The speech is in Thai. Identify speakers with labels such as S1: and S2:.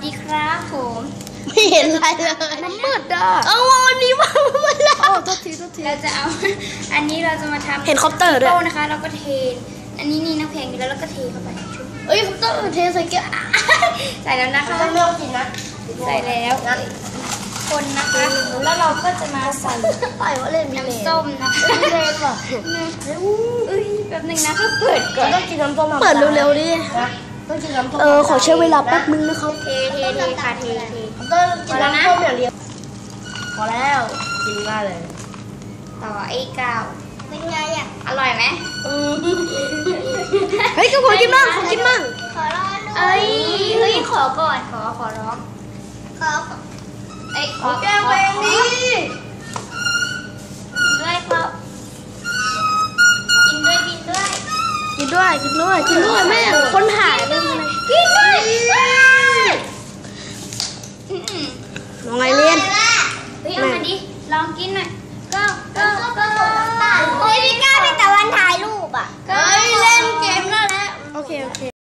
S1: ดีครับผม
S2: ไม่เห็นอะไรเลยมันมืดอ่ะวันนี้ว่ามันแล้วโทษที
S1: เราจะเอาอันนี้เราจะมาทำ
S2: เห็นคอปเตอร์ด้วย
S1: นะคะเราก็เทอันนี้นี่น้ำแข็งอยู่แล้วเราก็เทเข้าไป
S2: คอปเตอร์เทใส่แก้ว
S1: ใส่แล้วนะคะ
S2: ไม่ต้องกินนะ
S1: ใส่แล้วคนนะคะแล้วเราก็จะมาใส่
S2: ว่าเล่น
S1: น้ำส้มนะคะ
S2: เล่นว่ะ
S1: แบบนึงนะก็เปิดก่อน
S2: ต้องกินน้ำส้มเปิดเร็วๆดิต้องกินน้ำส้มขอใช้เวลาแป๊บนึงนะครับ
S1: เทค่ะเท
S2: ต้องกินน้ำส้มอย่างเดียวพอแล้วกินง่ายเลย
S1: ต่อไอ้กาว
S2: เป็นไงอ่ะ
S1: อร่อยไหม
S2: เฮ้ยก็ขอกินมั่งขอร้อง
S1: ขอก่อนขอร้องขอ
S2: แก้วเองนี่
S1: ด้วยครับกินด้วย
S2: แม่คนถ่ายเป็นไง
S1: กินด้วย
S2: น้องไอเลียน
S1: เอามาดิลองกินหน่อยก็
S2: พี่ก้าเป็นแต่วันถ่ายรูปอ่ะเล่นเกมนั่นแหละโอเค